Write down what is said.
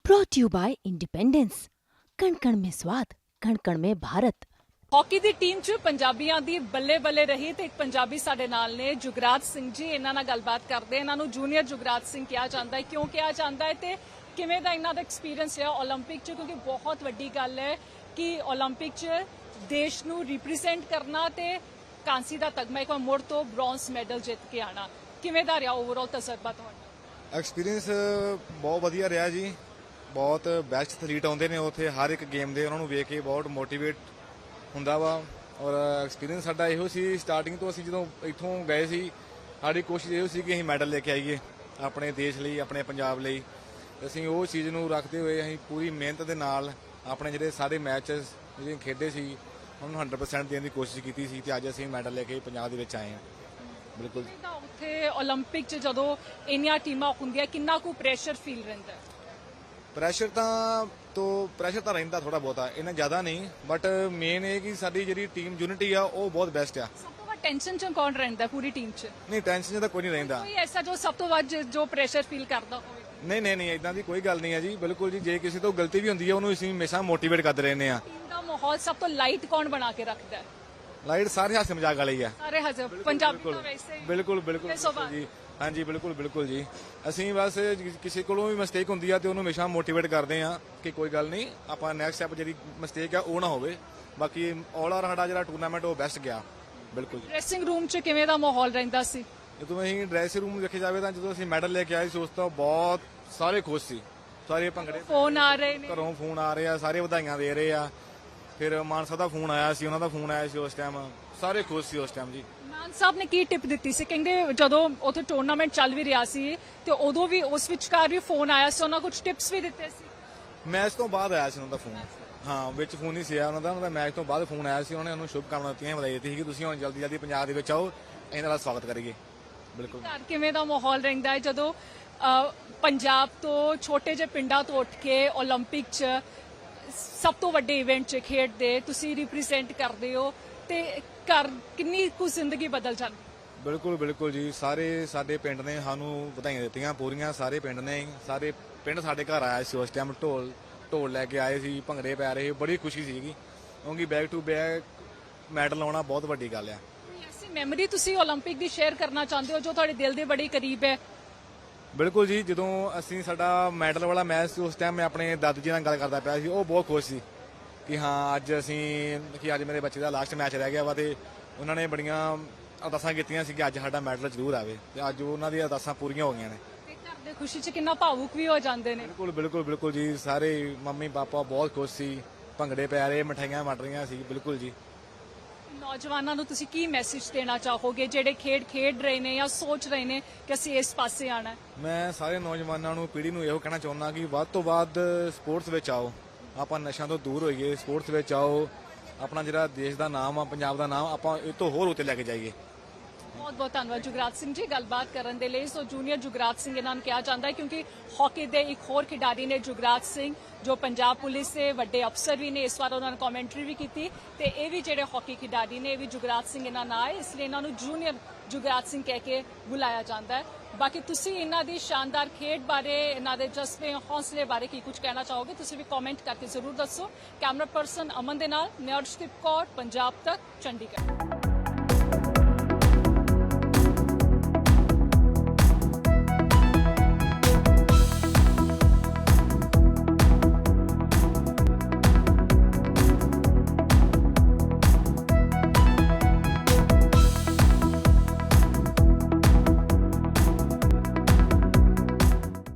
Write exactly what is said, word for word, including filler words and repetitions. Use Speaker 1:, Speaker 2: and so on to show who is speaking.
Speaker 1: brought to you by Independence. कण कण में स्वाद, कण कण में भारत।
Speaker 2: ਹਾਕੀ ਦੀ ਟੀਮ 'ਚ ਪੰਜਾਬੀਆਂ ਦੀ ਬੱਲੇ ਬੱਲੇ ਰਹੀ ਤੇ ਇੱਕ ਪੰਜਾਬੀ ਸਾਡੇ ਨਾਲ ਨੇ ਜੁਗਰਾਜ ਸਿੰਘ ਜੀ। ਇਹਨਾਂ ਨਾਲ ਗੱਲਬਾਤ ਕਰਦੇ ਇਹਨਾਂ ਨੂੰ ਜੂਨੀਅਰ ਜੁਗਰਾਜ ਸਿੰਘ ਕਿਹਾ ਜਾਂਦਾ ਹੈ, ਕਿਉਂ ਕਿਹਾ ਜਾਂਦਾ ਹੈ ਤੇ ਕਿਵੇਂ ਦਾ ਇਹਨਾਂ ਦਾ ਐਕਸਪੀਰੀਅੰਸ ਰਿਹਾ 올림픽 'ਚ, ਕਿਉਂਕਿ ਬਹੁਤ ਵੱਡੀ ਗੱਲ ਹੈ ਕਿ 올림픽 'ਚ ਦੇਸ਼ ਨੂੰ ਰਿਪਰੈਜ਼ੈਂਟ ਕਰਨਾ ਤੇ ਕਾਂਸੀ ਦਾ ਤਗਮਾ ਇੱਕ ਵਾਰ ਮੁੜ ਤੋਂ ਬ੍ਰੌਂਜ਼ ਮੈਡਲ ਜਿੱਤ ਕੇ ਆਣਾ। ਕਿਵੇਂ ਦਾ ਰਿਹਾ ਓਵਰਆਲ ਤਜਰਬਾ ਤੁਹਾਡਾ?
Speaker 3: ਐਕਸਪੀਰੀਅੰਸ ਬਹੁਤ ਵਧੀਆ ਰਿਹਾ ਜੀ। ਬਹੁਤ ਬੈਸਟ ਐਥਲੀਟ ਆਉਂਦੇ ਨੇ ਉੱਥੇ ਹਰ ਇੱਕ ਗੇਮ ਦੇ, ਉਹਨਾਂ ਨੂੰ ਵੇਖ ਕੇ ਬਹੁਤ ਮੋਟੀਵੇਟ ਹੁੰਦਾ ਵਾ। ਔਰ ਐਕਸਪੀਰੀਅੰਸ ਸਾਡਾ ਇਹੋ ਸੀ ਸਟਾਰਟਿੰਗ ਤੋਂ, ਅਸੀਂ ਜਦੋਂ ਇੱਥੋਂ ਗਏ ਸੀ ਸਾਡੀ ਕੋਸ਼ਿਸ਼ ਇਹੋ ਸੀ ਕਿ ਅਸੀਂ ਮੈਡਲ ਲੈ ਕੇ ਆਈਏ ਆਪਣੇ ਦੇਸ਼ ਲਈ, ਆਪਣੇ ਪੰਜਾਬ ਲਈ। ਅਸੀਂ ਉਹ ਚੀਜ਼ ਨੂੰ ਰੱਖਦੇ ਹੋਏ ਅਸੀਂ ਪੂਰੀ ਮਿਹਨਤ ਦੇ ਨਾਲ ਆਪਣੇ ਜਿਹੜੇ ਸਾਰੇ ਮੈਚਸ ਜਿਹੜੇ ਖੇਡੇ ਸੀ ਉਹਨੂੰ ਹੰਡਰਡ ਪਰਸੈਂਟ ਦੇਣ ਦੀ ਕੋਸ਼ਿਸ਼ ਕੀਤੀ ਸੀ ਤੇ ਅੱਜ ਅਸੀਂ ਮੈਡਲ ਲੈ ਕੇ ਪੰਜਾਬ ਦੇ ਵਿੱਚ ਆਏ ਹਾਂ। ਬਿਲਕੁਲ
Speaker 2: ਉੱਥੇ 올림픽 'ਚ ਜਦੋਂ ਇੰਨੀਆਂ ਟੀਮਾਂ ਹੁੰਦੀਆਂ ਕਿੰਨਾ ਕੁ ਪ੍ਰੈਸ਼ਰ ਫੀਲ ਰਹਿੰਦਾ?
Speaker 3: ਪ੍ਰੈਸ਼ਰ ਤਾਂ ਤੋਂ ਪ੍ਰੈਸ਼ਰ ਤਾਂ ਰਹਿੰਦਾ ਥੋੜਾ ਬਹੁਤਾ, ਇੰਨਾ ਜ਼ਿਆਦਾ ਨਹੀਂ, ਬਟ ਮੇਨ ਇਹ ਕਿ ਸਾਡੀ ਜਿਹੜੀ ਟੀਮ ਯੂਨਿਟੀ ਆ ਉਹ ਬਹੁਤ ਬੈਸਟ ਆ।
Speaker 2: ਸਭ ਤੋਂ ਵੱਧ ਟੈਨਸ਼ਨ 'ਚ ਕੌਣ ਰਹਿੰਦਾ ਪੂਰੀ ਟੀਮ 'ਚ?
Speaker 3: ਨਹੀਂ, ਟੈਨਸ਼ਨ ਤਾਂ ਕੋਈ ਨਹੀਂ ਰਹਿੰਦਾ।
Speaker 2: ਕੋਈ ਐਸਾ ਜੋ ਸਭ ਤੋਂ ਵੱਧ ਜੋ ਪ੍ਰੈਸ਼ਰ ਫੀਲ ਕਰਦਾ ਹੋਵੇ?
Speaker 3: ਨਹੀਂ ਨਹੀਂ ਨਹੀਂ ਇਦਾਂ ਦੀ ਕੋਈ ਗੱਲ ਨਹੀਂ ਹੈ ਜੀ। ਬਿਲਕੁਲ ਜੀ, ਜੇ ਕਿਸੇ ਤੋਂ ਗਲਤੀ ਵੀ ਹੁੰਦੀ ਹੈ ਉਹਨੂੰ ਅਸੀਂ ਹਮੇਸ਼ਾ ਮੋਟੀਵੇਟ ਕਰਦੇ ਰਹਿੰਦੇ ਆ।
Speaker 2: ਟੀਮ ਦਾ ਮਾਹੌਲ ਸਭ ਤੋਂ ਲਾਈਟ ਕੌਣ ਬਣਾ ਕੇ ਰੱਖਦਾ ਹੈ?
Speaker 3: ਲਾਈਟ ਸਾਰੇ ਹਾਸੇ ਮਜ਼ਾਕ ਵਾਲੇ ਹੀ ਆ।
Speaker 2: ਸਾਰੇ ਹਜ਼ਰ ਪੰਜਾਬੀ ਤਾਂ ਵੈਸੇ ਹੀ
Speaker 3: ਬਿਲਕੁਲ ਬਿਲਕੁਲ ਜੀ, ਹਾਂਜੀ ਬਿਲਕੁਲ ਬਿਲਕੁਲ ਜੀ। ਅਸੀਂ ਬਸ ਕਿਸੇ ਕੋਲੋਂ ਵੀ ਮਿਸਟੇਕ ਹੁੰਦੀ ਆ ਤੇ ਉਹਨੂੰ ਹਮੇਸ਼ਾ ਮੋਟੀਵੇਟ ਕਰਦੇ ਆ ਕਿ ਕੋਈ ਗੱਲ ਨਹੀਂ, ਆਪਾਂ ਨੈਕਸਟ ਸਟੈਪ ਜਿਹੜੀ ਮਿਸਟੇਕ ਆ ਉਹ ਨਾ ਹੋਵੇ। ਬਾਕੀ ਆਲ ਆਰ ਸਾਡਾ ਜਿਹੜਾ ਟੂਰਨਾਮੈਂਟ ਉਹ ਬੈਸਟ ਗਿਆ। ਬਿਲਕੁਲ।
Speaker 2: ਡਰੈਸਿੰਗ ਰੂਮ 'ਚ ਕਿਵੇਂ ਦਾ ਮਾਹੌਲ ਰਹਿੰਦਾ ਸੀ?
Speaker 3: ਜਦੋਂ ਅਸੀਂ ਡਰੈਸਿੰਗ ਰੂਮ ਵੇਖੇ ਜਾਵੇ ਤਾਂ ਜਦੋਂ ਅਸੀਂ ਮੈਡਲ ਲੈ ਕੇ ਆਏ ਸੀ ਉਸ ਤੋਂ ਬਹੁਤ ਸਾਰੇ ਖੁਸ਼ ਸੀ। ਸਾਰੇ ਭੰਗੜੇ
Speaker 2: ਫੋਨ ਆ ਰਹੇ ਨੇ,
Speaker 3: ਘਰੋਂ ਫੋਨ ਆ ਰਹੇ ਆ, ਸਾਰੇ ਵਧਾਈਆਂ ਦੇ ਰਹੇ ਆ। ਫਿਰ ਮਾਨ ਸਾਹਿਬ ਦਾ ਫੋਨ ਆਇਆ ਸੀ, ਉਹਨਾਂ ਦਾ ਫੋਨ ਆਇਆ ਸੀ ਉਸ ਟਾਈਮ, ਸਾਰੇ ਖੁਸ਼ ਸੀ ਉਸ ਟਾਈਮ ਜੀ।
Speaker 2: ਮਾਨ ਸਾਹਿਬ ਨੇ ਕੀ ਟਿਪ ਦਿੱਤੀ ਸੀ? ਕਹਿੰਦੇ ਜਦੋਂ ਉੱਥੇ ਟੂਰਨਾਮੈਂਟ ਚੱਲ ਵੀ ਰਿਹਾ ਸੀ ਤੇ ਉਦੋਂ ਵੀ ਉਸ ਵਿਚਕਾਰ ਵੀ ਫੋਨ ਆਇਆ ਸੀ, ਉਹਨਾਂ ਕੁਝ ਟਿਪਸ ਵੀ ਦਿੱਤੇ ਸੀ?
Speaker 3: ਮੈਚ ਤੋਂ ਬਾਅਦ ਆਇਆ ਸੀ ਉਹਨਾਂ ਦਾ ਫੋਨ। ਹਾਂ, ਵਿੱਚ ਫੋਨ ਨਹੀਂ ਸੀ ਆਇਆ ਉਹਨਾਂ ਦਾ, ਉਹਨਾਂ ਦਾ ਮੈਚ ਤੋਂ ਬਾਅਦ ਫੋਨ ਆਇਆ ਸੀ। ਉਹਨੇ ਉਹਨੂੰ ਸ਼ੁਭ ਕਾਮਨਾ ਦਿੱਤੀਆਂ, ਵਧਾਈ ਦਿੱਤੀ ਸੀ ਕਿ ਤੁਸੀਂ ਹੁਣ ਜਲਦੀ ਜਲਦੀ ਪੰਜਾਬ ਦੇ ਵਿੱਚ ਆਓ, ਇਹਨਾਂ ਦਾ ਸਵਾਗਤ ਕਰੀਏ। ਬਿਲਕੁਲ।
Speaker 2: ਘਰ ਕਿਵੇਂ ਦਾ ਮਾਹੌਲ ਰਹਿੰਦਾ ਹੈ ਜਦੋਂ ਪੰਜਾਬ ਤੋਂ ਛੋਟੇ ਜਿਹੇ ਪਿੰਡਾਂ ਤੋਂ ਉੱਠ ਕੇ 올림픽 'ਚ ਸਭ ਤੋਂ ਵੱਡੇ ਇਵੈਂਟ 'ਚ ਖੇਡਦੇ ਤੁਸੀਂ ਰਿਪਰੈਜ਼ੈਂਟ ਕਰਦੇ ਹੋ ਤੇ ਘਰ ਕਿੰਨੀ ਕੁ ਜ਼ਿੰਦਗੀ ਬਦਲ ਜਾਂਦੀ?
Speaker 3: ਬਿਲਕੁਲ ਬਿਲਕੁਲ ਜੀ। ਸਾਰੇ ਸਾਡੇ ਪਿੰਡ ਨੇ ਸਾਨੂੰ ਵਧਾਈਆਂ ਦਿੱਤੀਆਂ ਪੂਰੀਆਂ, ਸਾਰੇ ਪਿੰਡ ਨੇ, ਸਾਰੇ ਪਿੰਡ ਸਾਡੇ ਘਰ ਆਇਆ ਸੀ ਉਸ ਟਾਈਮ। ਢੋਲ ਢੋਲ ਲੈ ਕੇ ਆਏ ਸੀ, ਭੰਗੜੇ ਪੈ ਰਹੇ, ਬੜੀ ਖੁਸ਼ੀ ਸੀਗੀ ਕਿਉਂਕਿ ਬੈਕ ਟੂ ਬੈਕ ਮੈਡਲ ਆਉਣਾ ਬਹੁਤ ਵੱਡੀ ਗੱਲ ਆ।
Speaker 2: ਕੋਈ ਐਸੀ ਮੈਮਰੀ ਤੁਸੀਂ 올림픽 ਦੀ ਸ਼ੇਅਰ ਕਰਨਾ ਚਾਹੁੰਦੇ ਹੋ ਜੋ ਤੁਹਾਡੇ ਦਿਲ ਦੇ ਬੜੀ ਕਰੀਬ ਹੈ?
Speaker 3: ਬਿਲਕੁਲ ਜੀ, ਜਦੋਂ ਅਸੀਂ ਸਾਡਾ ਮੈਡਲ ਵਾਲਾ ਮੈਚ ਸੀ ਉਸ ਟਾਈਮ ਮੈਂ ਆਪਣੇ ਦਾਦੂ ਜੀ ਨਾਲ ਗੱਲ ਕਰਦਾ ਪਿਆ ਸੀ, ਉਹ ਬਹੁਤ ਖੁਸ਼ ਸੀ ਕਿ ਹਾਂ ਅੱਜ ਅਸੀਂ ਕਿ ਅੱਜ ਮੇਰੇ ਬੱਚੇ ਦਾ ਲਾਸਟ ਮੈਚ ਰਹਿ ਗਿਆ ਵਾ ਤੇ ਉਹਨਾਂ ਨੇ ਬੜੀਆਂ ਅਰਦਾਸਾਂ ਕੀਤੀਆਂ ਸੀ ਕਿ ਅੱਜ ਸਾਡਾ ਮੈਡਲ ਜ਼ਰੂਰ ਆਵੇ ਤੇ ਅੱਜ ਉਹਨਾਂ ਦੀਆਂ ਅਰਦਾਸਾਂ ਪੂਰੀਆਂ ਹੋ ਗਈਆਂ ਨੇ।
Speaker 2: ਤੇ ਘਰ ਦੇ ਖੁਸ਼ੀ 'ਚ ਕਿੰਨਾ ਭਾਵੁਕ ਵੀ ਹੋ ਜਾਂਦੇ ਨੇ।
Speaker 3: ਬਿਲਕੁਲ ਬਿਲਕੁਲ ਬਿਲਕੁਲ ਜੀ। ਸਾਰੇ ਮੰਮੀ ਪਾਪਾ ਬਹੁਤ ਖੁਸ਼ ਸੀ, ਭੰਗੜੇ ਪੈ ਰਹੇ, ਮਠਾਈਆਂ ਵੰਡ ਰਹੀਆਂ ਸੀ। ਬਿਲਕੁਲ ਜੀ।
Speaker 2: ਨੌਜਵਾਨਾਂ ਨੂੰ ਤੁਸੀਂ ਕੀ ਮੈਸੇਜ ਦੇਣਾ ਚਾਹੋਗੇ ਜਿਹੜੇ ਖੇਡ ਖੇਡ ਰਹੇ ਨੇ ਜਾਂ ਸੋਚ ਰਹੇ ਨੇ ਕਿ ਅਸੀਂ ਇਸ ਪਾਸੇ ਆਣਾ?
Speaker 3: ਮੈਂ ਸਾਰੇ ਨੌਜਵਾਨਾਂ ਨੂੰ, ਪੀੜ੍ਹੀ ਨੂੰ ਇਹੋ ਕਹਿਣਾ ਚਾਹੁੰਦਾ ਕਿ ਵੱਧ ਤੋਂ ਵੱਧ ਸਪੋਰਟਸ ਵਿੱਚ ਆਓ, ਆਪਾਂ ਨਸ਼ਿਆਂ ਤੋਂ ਦੂਰ ਹੋਈਏ, ਸਪੋਰਟਸ ਵਿੱਚ ਆਓ, ਆਪਣਾ ਜਿਹੜਾ ਦੇਸ਼ ਦਾ ਨਾਮ ਆ, ਪੰਜਾਬ ਦਾ ਨਾਮ ਆਪਾਂ ਇਹ ਤੋਂ ਹੋਰ ਉੱਤੇ ਲੈ ਕੇ ਜਾਈਏ।
Speaker 2: ਬਹੁਤ ਬਹੁਤ ਧੰਨਵਾਦ ਜੁਗਰਾਜ ਸਿੰਘ ਜੀ ਗੱਲਬਾਤ ਕਰਨ ਦੇ ਲਈ। ਸੋ ਜੂਨੀਅਰ ਜੁਗਰਾਜ ਸਿੰਘ ਇਹਨਾਂ ਨੂੰ ਕਿਹਾ ਜਾਂਦਾ ਹੈ ਕਿਉਂਕਿ ਹਾਕੀ ਦੇ ਇੱਕ ਹੋਰ ਖਿਡਾਰੀ ਨੇ ਜੁਗਰਾਜ ਸਿੰਘ ਜੋ ਪੰਜਾਬ ਪੁਲਿਸ ਦੇ ਵੱਡੇ ਅਫਸਰ ਵੀ ਨੇ, ਇਸ ਵਾਰ ਉਹਨਾਂ ਨੇ ਕਮੈਂਟਰੀ ਵੀ ਕੀਤੀ ਤੇ ਇਹ ਵੀ ਜਿਹੜੇ ਹਾਕੀ ਖਿਡਾਰੀ ਨੇ ਇਹ ਵੀ ਜੁਗਰਾਜ ਸਿੰਘ ਇਹਨਾਂ ਨਾਲ ਆਏ, ਇਸ ਲਈ ਇਹਨਾਂ ਨੂੰ ਜੂਨੀਅਰ ਜੁਗਰਾਜ ਸਿੰਘ ਕਹਿ ਕੇ ਬੁਲਾਇਆ ਜਾਂਦਾ ਹੈ। ਬਾਕੀ ਤੁਸੀਂ ਇਹਨਾਂ ਦੀ ਸ਼ਾਨਦਾਰ ਖੇਡ ਬਾਰੇ, ਇਹਨਾਂ ਦੇ ਜਜ਼ਬੇ ਹੌਸਲੇ ਬਾਰੇ ਕੀ ਕੁਝ ਕਹਿਣਾ ਚਾਹੋਗੇ ਤੁਸੀਂ ਵੀ ਕਮੈਂਟ ਕਰਕੇ ਜ਼ਰੂਰ ਦੱਸੋ। ਕੈਮਰਾ ਪਰਸਨ ਅਮਨ ਦੇ ਨਾਲ ਮੈਂ ਅਰਸ਼ਦੀਪ ਕੌਰ, ਪੰਜਾਬ ਤੱਕ, ਚੰਡੀਗੜ੍ਹ।